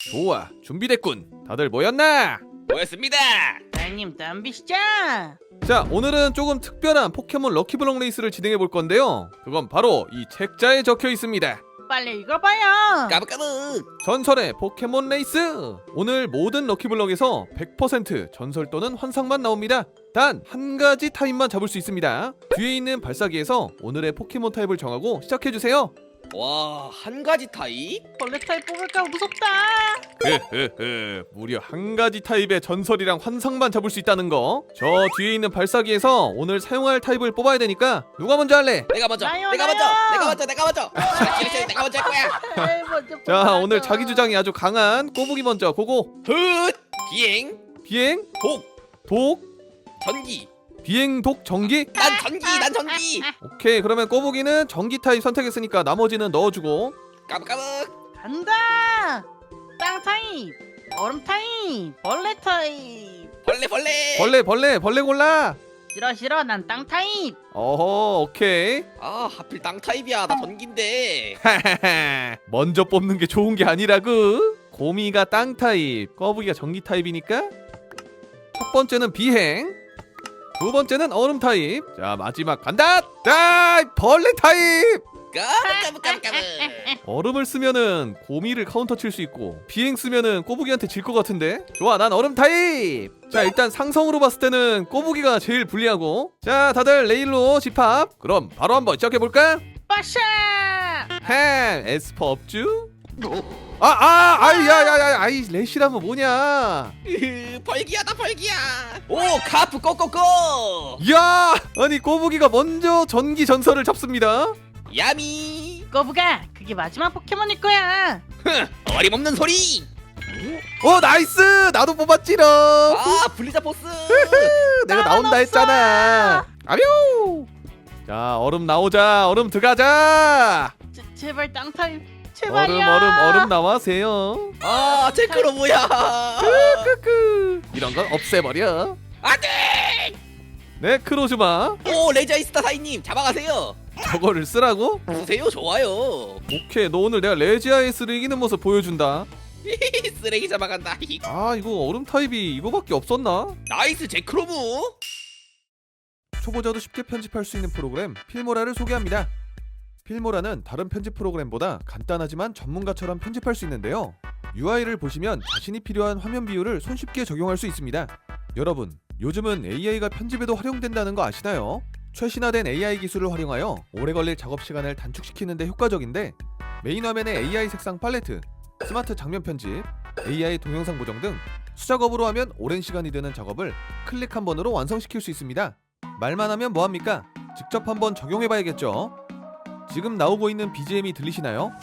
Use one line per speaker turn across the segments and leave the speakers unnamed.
좋아, 준비됐군. 다들 모였나?
모였습니다.
사장님 덤비시죠.
자, 오늘은 조금 특별한 포켓몬 럭키블럭 레이스를 진행해 볼 건데요. 그건 바로 이 책자에 적혀 있습니다.
빨리 읽어봐요.
까불까불.
전설의 포켓몬 레이스! 오늘 모든 럭키블럭에서 100% 전설 또는 환상만 나옵니다. 단 한 가지 타입만 잡을 수 있습니다. 뒤에 있는 발사기에서 오늘의 포켓몬 타입을 정하고 시작해주세요.
와, 한 가지 타입?
벌레 타입 뽑을까 무섭다.
무려 한 가지 타입의 전설이랑 환상만 잡을 수 있다는 거. 저 뒤에 있는 발사기에서 오늘 사용할 타입을 뽑아야 되니까 누가 먼저 할래?
내가 먼저.
나요,
내가
나요.
먼저. 내가 먼저. 내가 먼저. 내가 먼저 할 거야.
에이, 먼저
자,
뽑아줘.
오늘 자기 주장이 아주 강한 꼬부기 먼저 고고.
훗. 비행.
비행,
독.
독,
전기.
비행, 독, 전기.
난 전기. 난 전기.
오케이, 그러면 꼬부기는 전기 타입 선택했으니까 나머지는 넣어주고.
까불까불.
간다. 땅 타입, 얼음 타입, 벌레 타입.
벌레.
벌레 골라.
싫어 난 땅 타입.
어허, 오케이.
아, 하필 땅 타입이야. 나 전기인데.
먼저 뽑는 게 좋은 게 아니라고. 곰이가 땅 타입, 꼬부기가 전기 타입이니까. 첫 번째는 비행, 두 번째는 얼음 타입. 자, 마지막 간다. 자, 벌레 타입.
까불까불.
얼음을 쓰면은 곰이를 카운터 칠 수 있고 비행 쓰면은 꼬부기한테 질 것 같은데. 좋아, 난 얼음 타입. 자, 일단 상성으로 봤을 때는 꼬부기가 제일 불리하고. 자, 다들 레일로 집합. 그럼 바로 한번 시작해볼까?
빠샤.
햄 에스퍼 업주. 아이 레시라면 뭐냐.
벌기야다 벌기야. 오, 카프 꼬꼬꼬.
이야, 아니 꼬부기가 먼저 전기 전설을 잡습니다.
야미.
거부가 그게 마지막 포켓몬일 거야.
어림없는 소리.
나이스. 나도 뽑았지롱.
아, 블리자 포스.
내가 나온다
없어.
했잖아. 아뮤. 자, 얼음 나오자. 얼음 들어가자.
제발 땅 타입. 제발이야.
얼음 나와세요.
아, 체크로 뭐야.
크크. 이런 건 없애버려.
안돼.
네, 크로즈마.
오, 레지아이스타 사인님 잡아가세요.
저거를 쓰라고?
보세요, 좋아요.
오케이, 너 오늘 내가 레지아이스를 이기는 모습 보여준다.
쓰레기 잡아간다.
아, 이거 얼음 타입이 이거밖에 없었나?
나이스 제크로무.
초보자도 쉽게 편집할 수 있는 프로그램 필모라를 소개합니다. 필모라는 다른 편집 프로그램보다 간단하지만 전문가처럼 편집할 수 있는데요. UI를 보시면 자신이 필요한 화면 비율을 손쉽게 적용할 수 있습니다. 여러분, 요즘은 AI가 편집에도 활용된다는 거 아시나요? 최신화된 AI 기술을 활용하여 오래 걸릴 작업 시간을 단축시키는 데 효과적인데, 메인 화면의 AI 색상 팔레트, 스마트 장면 편집, AI 동영상 보정 등 수작업으로 하면 오랜 시간이 드는 작업을 클릭 한 번으로 완성시킬 수 있습니다. 말만 하면 뭐합니까? 직접 한번 적용해봐야겠죠. 지금 나오고 있는 BGM이 들리시나요?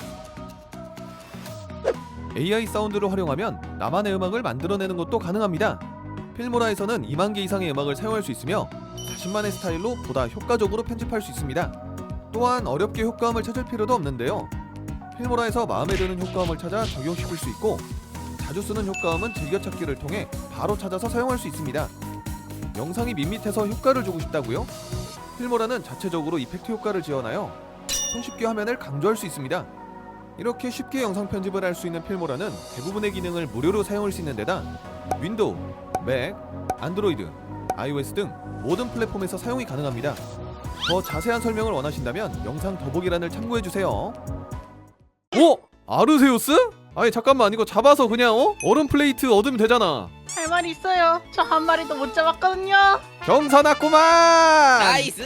AI 사운드를 활용하면 나만의 음악을 만들어내는 것도 가능합니다. 필모라에서는 2만 개 이상의 음악을 사용할 수 있으며 자신만의 스타일로 보다 효과적으로 편집할 수 있습니다. 또한 어렵게 효과음을 찾을 필요도 없는데요. 필모라에서 마음에 드는 효과음을 찾아 적용시킬 수 있고, 자주 쓰는 효과음은 즐겨찾기를 통해 바로 찾아서 사용할 수 있습니다. 영상이 밋밋해서 효과를 주고 싶다고요? 필모라는 자체적으로 이펙트 효과를 지원하여 손쉽게 화면을 강조할 수 있습니다. 이렇게 쉽게 영상 편집을 할 수 있는 필모라는 대부분의 기능을 무료로 사용할 수 있는 데다 윈도우, 맥, 안드로이드, iOS 등 모든 플랫폼에서 사용이 가능합니다. 더 자세한 설명을 원하신다면 영상 더보기란을 참고해주세요. 오! 아르세우스? 아니 잠깐만, 이거 잡아서 그냥 얼음 플레이트 얻으면 되잖아.
할 말이 있어요. 저 한 마리도 못 잡았거든요.
경사났구만.
나이스.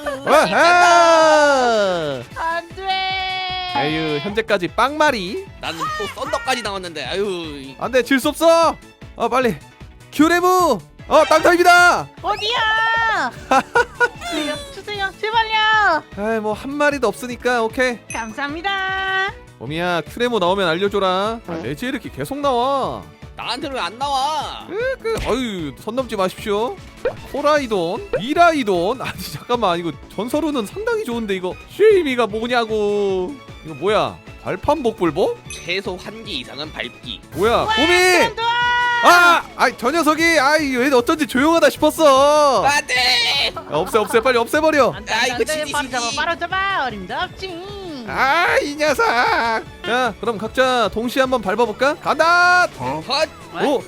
와하!
안돼.
에휴, 현재까지 빵마리.
나는 또 썬더까지 나왔는데. 아유.
안돼, 질 수 없어. 빨리 큐레브. 땅타입이다.
어디야? 주세요 제발요.
아이, 뭐 한 마리도 없으니까 오케이.
감사합니다.
봄이야, 큐레모 나오면 알려줘라. 레지 이렇게 계속 나와.
나한테는 왜 안 나와?
아유, 선 넘지 마십시오. 코라이돈, 미라이돈. 아니 잠깐만, 이거 전설우는 상당히 좋은데 이거 쉐이미가 뭐냐고. 이거 뭐야? 발판 복불복?
최소 1개 이상은 밟기.
뭐야? 봄이! 저 녀석이 왜 어쩐지 조용하다 싶었어.
안돼.
없애, 빨리 없애버려.
안돼
아, 이거
안돼
지지,
바로 잡아
지지.
바로 잡아. 어림도 없지.
아, 이 녀석. 자, 그럼 각자 동시에 한번 밟아볼까? 간다.
헛.
오.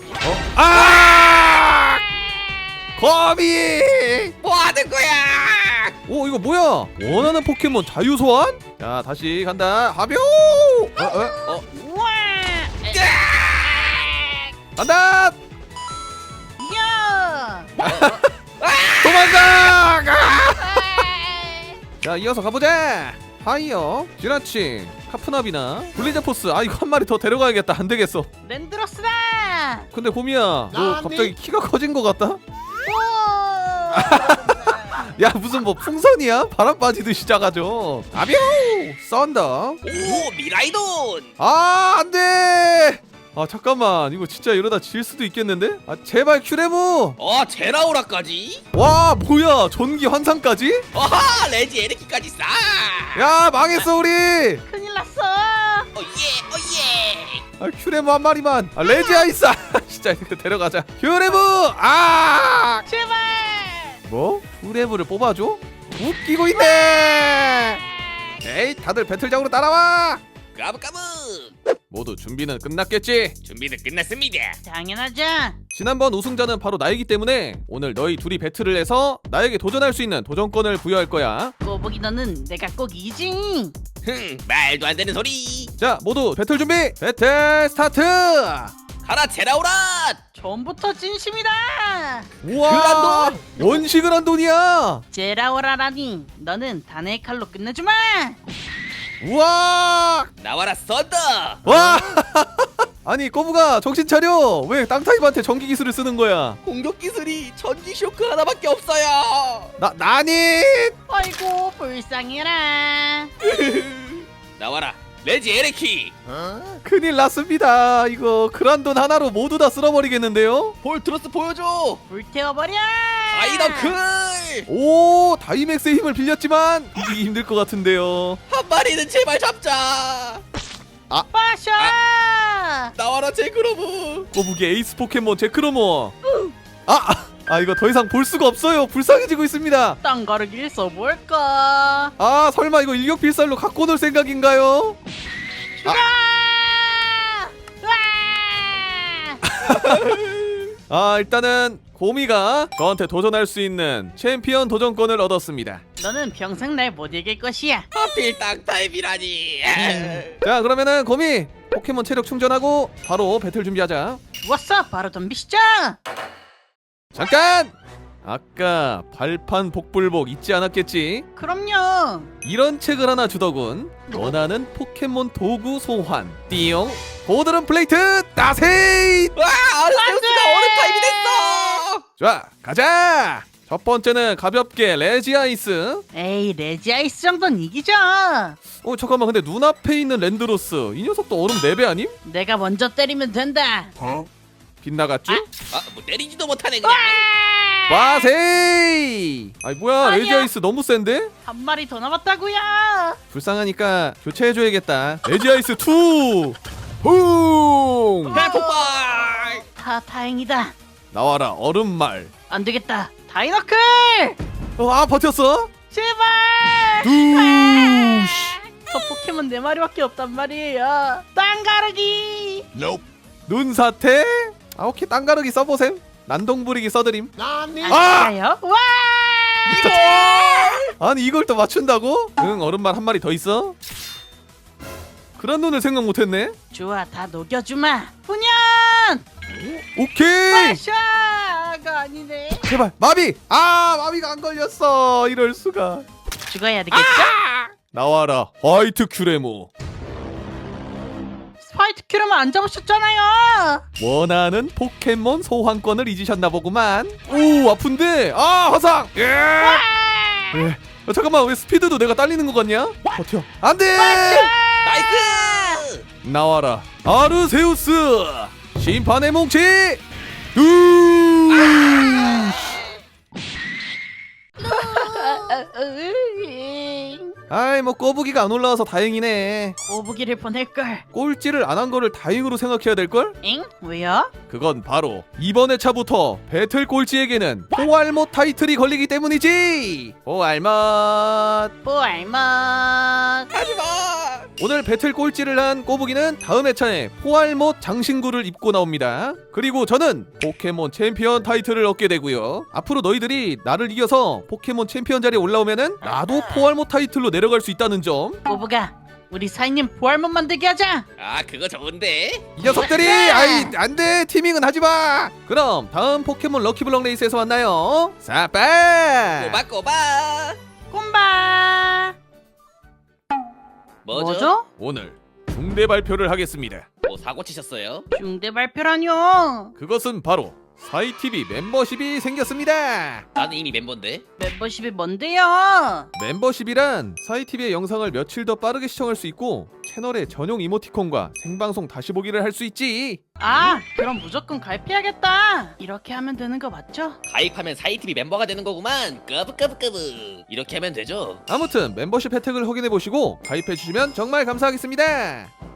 아! 거미.
뭐 하는 거야?
오, 이거 뭐야? 원하는 포켓몬 자유 소환? 자, 다시 간다. 하뷰.
우와.
간다.
야.
도망가. 자, 이어서 가보자. 하이어, 지나치, 카프나비나, 블리자포스. 아, 이거 한 마리 더 데려가야겠다. 안 되겠어.
랜드로스다.
근데 곰이야, 너 갑자기 키가 커진 것 같다?
오.
야, 무슨 뭐 풍선이야? 바람 빠지듯이 작아져. 아뷰! 썬더.
오 미라이돈.
아, 안 돼! 아, 잠깐만. 이거 진짜 이러다 질 수도 있겠는데? 아, 제발 큐레모!
제라오라까지.
와, 뭐야? 전기 환상까지?
어하 레지 에르키까지 싸.
야, 망했어, 우리!
큰일 났어.
오예.
아, 큐레모 한 마리만. 아, 레지 아이스! 진짜 이거 데려가자. 큐레모! 아!
제발.
뭐? 큐레모를 뽑아줘? 웃기고 있네! 에이, 다들 배틀장으로 따라와!
까부까부.
모두 준비는 끝났겠지?
준비는 끝났습니다.
당연하죠.
지난번 우승자는 바로 나이기 때문에 오늘 너희 둘이 배틀을 해서 나에게 도전할 수 있는 도전권을 부여할 거야.
꼬부기 너는 내가 꼭 이지.
말도 안 되는 소리.
자, 모두 배틀 준비! 배틀 스타트!
가라 제라오라.
처음부터 진심이다.
우와!
그란돈!
원시 그란돈이야!
제라오라라니 너는 단의 칼로 끝내주마.
우와!
나와라 썬더.
와! 아니, 꼬부가 정신 차려! 왜 땅타입한테 전기 기술을 쓰는 거야?
공격 기술이 전기 쇼크 하나밖에 없어요.
나니!
아이고 불쌍해라.
나와라 레지 에르키.
큰일 났습니다. 이거 그란돈 하나로 모두 다 쓸어버리겠는데요?
볼트로스 보여줘.
불태워버려.
아이더클.
오, 다이맥스의 힘을 빌렸지만 이기기 힘들 것 같은데요.
한 마리는 제발 잡자.
빠샤.
나와라 제그로브.
꼬부기 에이스 포켓몬 제크로모. 이거 더 이상 볼 수가 없어요. 불쌍해지고 있습니다.
땅가르기를 써볼까.
아, 설마 이거 일격필살로 갖고 놀 생각인가요? 일단은 고미가 저한테 도전할 수 있는 챔피언 도전권을 얻었습니다.
너는 평생 날 못 이길 것이야.
하필 땅타입이라니.
자, 그러면은 고미 포켓몬 체력 충전하고 바로 배틀 준비하자.
좋았어. 바로 덤비시죠.
잠깐! 아까 발판 복불복 잊지 않았겠지?
그럼요.
이런 책을 하나 주더군. 원하는 포켓몬 도구 소환. 띠용. 고드름 플레이트 따세이.
와 아르세우스가 어느 타입이 됐어.
자, 가자. 첫 번째는 가볍게 레지 아이스.
에이 레지아이스 정도는 이기죠.
잠깐만, 근데 눈앞에 있는 랜드로스 이 녀석도 얼음 4배 아님?
내가 먼저 때리면 된다.
빗나갔죠?
뭐 때리지도 못하네 그냥.
빠세이. 아이, 뭐야,
아니야.
레지 아이스 너무 센데?
한 마리 더 남았다고요.
불쌍하니까 교체해줘야겠다. 레지 아이스 2. 붕.
대폭발.
다행이다.
나와라 얼음말.
안 되겠다. 다이너클.
버텼어?
제발.
두시.
저 포켓몬 4마리밖에 없단 말이에요. 땅가르기.
눈사태. 오케이, 땅가르기 써보셈. 난동부리기 써드림.
아요? 와.
아니, 이걸 또 맞춘다고? 응, 얼음말 한 마리 더 있어. 그런 눈을 생각 못했네.
좋아, 다 녹여주마. 훈연.
오케이.
빠샤가 아니네.
제발 마비. 마비가 안 걸렸어. 이럴 수가.
죽어야 되겠죠?
나와라 화이트 큐레모.
스파이트 큐르만 안 잡으셨잖아요.
원하는 포켓몬 소환권을 잊으셨나 보구만. 오, 아픈데. 화상. 예. 잠깐만, 왜 스피드도 내가 딸리는 것 같냐? 버텨. 안돼.
나이스.
나와라 아르세우스 심판의 뭉치. 아이 뭐 꼬부기가 안 올라와서 다행이네.
꼬부기를 보낼걸.
꼴찌를 안 한 거를 다행으로 생각해야 될걸?
엥? 왜요?
그건 바로 이번 회차부터 배틀 꼴찌에게는 포알못 타이틀이 걸리기 때문이지. 포알못.
뽀알맛.
하지마.
오늘 배틀 꼴찌를 한 꼬부기는 다음 회차에 포알못 장신구를 입고 나옵니다. 그리고 저는 포켓몬 챔피언 타이틀을 얻게 되고요. 앞으로 너희들이 나를 이겨서 포켓몬 챔피언 자리에 올라오면은 나도 포알못 타이틀로 내려갈 수 있다는 점.
꼬부가, 우리 사장님 포알못 만들게 하자.
아 그거 좋은데.
이 녀석들이 아이 안돼 티밍은 하지마. 그럼 다음 포켓몬 럭키블럭 레이스에서 만나요. 사빠.
꼬박꼬박.
꼼바. 뭐죠?
오늘 중대 발표를 하겠습니다.
뭐 사고 치셨어요?
중대 발표라뇨.
그것은 바로 사이TV 멤버십이 생겼습니다.
나는 이미 멤버인데.
멤버십이 뭔데요?
멤버십이란 사이TV의 영상을 며칠 더 빠르게 시청할 수 있고 채널의 전용 이모티콘과 생방송 다시 보기를 할 수 있지.
아, 그럼 무조건 가입해야겠다. 이렇게 하면 되는 거 맞죠?
가입하면 사이TV 멤버가 되는 거구만. 까부까부까부. 이렇게 하면 되죠.
아무튼 멤버십 혜택을 확인해 보시고 가입해 주시면 정말 감사하겠습니다.